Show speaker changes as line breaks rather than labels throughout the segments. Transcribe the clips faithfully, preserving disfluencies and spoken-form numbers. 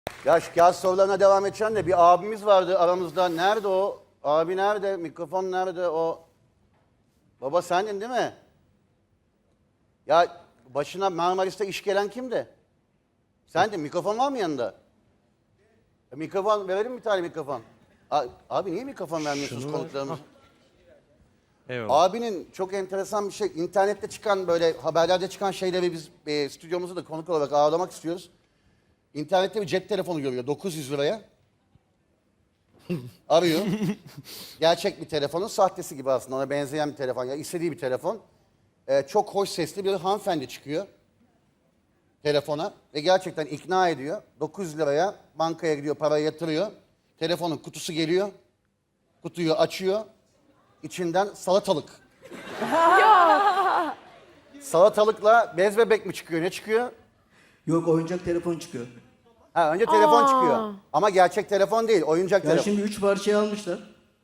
Ya şu kağıt sorularına devam edeceğim de bir abimiz vardı aramızda. Nerede o? Abi nerede? Mikrofon nerede o? Baba sendin değil mi? Ya başına Marmaris'te iş gelen kimdi? Sendin. Mikrofon var mı yanında? E, mikrofon verelim bir tane mikrofon. A- Abi niye mikrofon vermiyorsunuz
Şunu
konuklarımıza?
Eyvallah.
Abinin çok enteresan bir şey. İnternette çıkan böyle haberlerde çıkan şeyleri biz e, stüdyomuzu da konuk olarak ağırlamak istiyoruz. İnternette bir cep telefonu görüyor dokuz yüz liraya. Arıyor. Gerçek bir telefonun sahtesi gibi aslında ona benzeyen bir telefon. Ya istediği bir telefon. Ee, çok hoş sesli bir hanımefendi çıkıyor telefona ve gerçekten ikna ediyor. dokuz yüz liraya bankaya gidiyor, parayı yatırıyor. Telefonun kutusu geliyor. Kutuyu açıyor. İçinden salatalık. Salatalıkla bez bebek mi çıkıyor? Ne çıkıyor?
Yok, oyuncak telefon çıkıyor.
Ha, önce telefon çıkıyor. Ama gerçek telefon değil, oyuncak
Ya
telefon.
şimdi üç parçayı almışlar.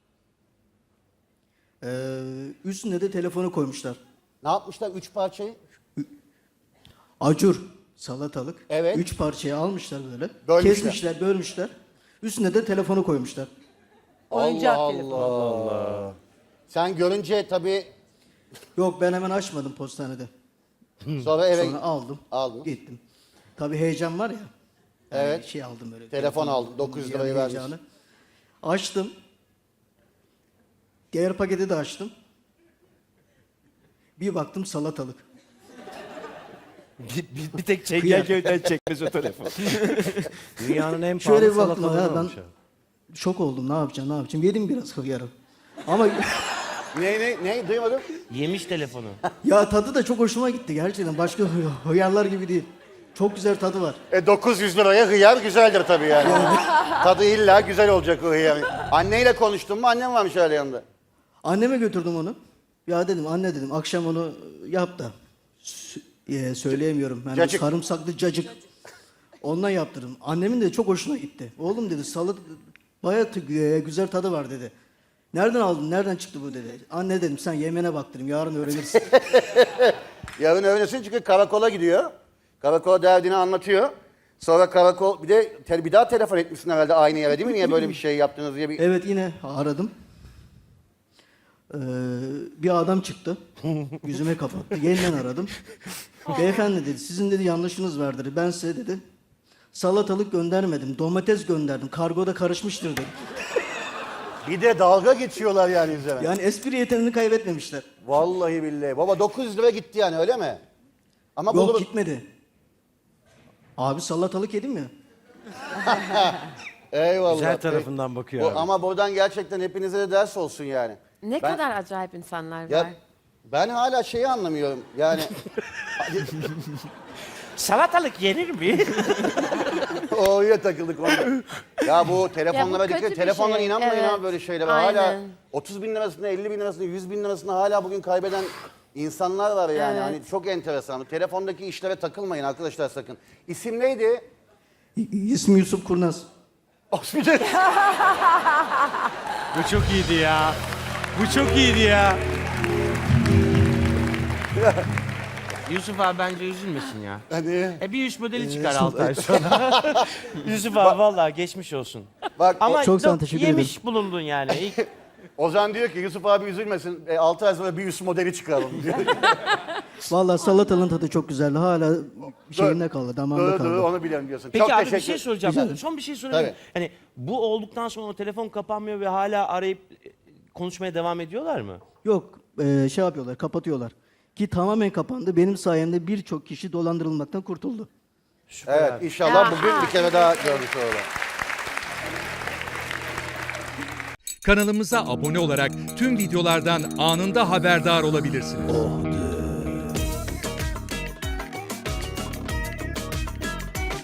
Ee, üstüne de telefonu koymuşlar.
Ne yapmışlar üç parçayı?
Acur, salatalık.
Evet.
Üç parçayı almışlar böyle.
Bölmüşler.
Kesmişler, bölmüşler. Üstüne de telefonu koymuşlar.
Oyuncak
Allah
telefon.
Allah. Sen görünce tabii
Yok, ben hemen açmadım postanede.
sonra eve
Sonra aldım.
aldın.
Gittim. Tabii heyecan var ya. Yani
Evet.
Şey aldım böyle.
Telefon aldın, dokuz yüz lirayı
yani
vermişsin.
heyecanı. Açtım. Diğer paketi de açtım. Bir baktım salatalık.
Bir, bir, bir tek
Kıyak.
Çengelköy'den çekmez o telefon. Dünyanın en pahalı
Şöyle bir baktım
salatalığı
ya, ben
olmuş abi.
şok oldum. Ne yapacağım, ne yapacağım? Yedim biraz hıyarı. Ama
Ne ne ne duymadım.
Yemiş telefonu.
ya tadı da çok hoşuma gitti gerçekten. Başka hı- hıyarlar gibi değil. Çok güzel tadı var.
E dokuz yüz liraya hıyar güzeldir tabii yani. Tadı illa güzel olacak o hıyar. Anneyle konuştun mu? Annem varmış öyle yanında.
Anneme götürdüm onu. Ya dedim, anne dedim, akşam onu yap da. Sü- e, söyleyemiyorum. Yani
Cacık.
sarımsaklı cacık. Ondan yaptırdım. Annemin de çok hoşuna gitti. Oğlum dedi, salat bayağı t- e, güzel tadı var dedi. Nereden aldın? Nereden çıktı bu dedi. Anne dedim, sen yemene bak dedim. Yarın öğrenirsin.
Yarın öğlesin çünkü karakola gidiyor. Karakola derdini anlatıyor. Sonra karakol bir de te- bir daha telefon etmişsin herhalde aynı yere değil mi? Niye böyle bir şey yaptınız diye bir...
Evet, yine aradım. Ee, bir adam çıktı. Yüzüme kapattı. Yeniden aradım. Beyefendi dedi, sizin dedi yanlışınız var dedi. Ben size dedi salatalık göndermedim. Domates gönderdim. Kargoda karışmıştır dedi.
Bir de dalga geçiyorlar yani üzerine.
Yani espri yeteneğini kaybetmemişler.
Vallahi billahi. Baba dokuz yüz lira gitti yani öyle mi? Ama
Yok,
buluruz.
gitmedi. Abi salatalık yedim ya.
Eyvallah.
Güzel tarafından bakıyor
Bu,
abi.
ama buradan gerçekten hepinize de ders olsun yani.
Ne
Ben-
kadar acayip insanlar var.
Ya ben hala şeyi anlamıyorum. Yani
Salatalık yenir mi?
oraya takıldık onda. Ya bu telefonlara
Ya bu
dikkat.
kötü bir
Telefonlara
şey,
inanmayın
evet.
abi böyle şeylere. Hala
Aynen.
otuz bin lirasını, elli bin lirasını, yüz bin lirasını hala bugün kaybeden insanlar var yani.
Evet.
Hani çok enteresan. Telefondaki işlere takılmayın arkadaşlar sakın. İsim neydi?
İ- İsmi Yusuf Kurnaz.
Osman.
Bu çok iyiydi ya. Bu çok iyiydi ya. Yusuf abi bence üzülmesin ya.
Hani
E bir üst modeli çıkar altı ay sonra. Yusuf abi vallahi geçmiş olsun.
bak
Ama
Çok sağ ol,
do-
teşekkür
yemiş bulundun yani. İlk-
Ozan diyor ki Yusuf abi üzülmesin. E, altı ay sonra bir üst modeli çıkaralım diyor.
Vallahi salatalığın tadı çok güzeldi. Hala şeyinde kaldı, damağımda
Doğru
kaldı.
doğru onu biliyorum diyorsun.
Peki
çok
abi
teşekkür
bir şey soracağım.
Rica ederim.
Son bir şey sorabilir miyim? Hani bu olduktan sonra o telefon kapanmıyor ve hala arayıp e, konuşmaya devam ediyorlar mı?
Yok, e, şey yapıyorlar, kapatıyorlar. Ki tamamen kapandı. Benim sayemde birçok kişi dolandırılmaktan kurtuldu.
Evet inşallah
Ya.
bugün bir kere daha görmüş olalım.
Kanalımıza abone olarak tüm videolardan anında haberdar olabilirsiniz.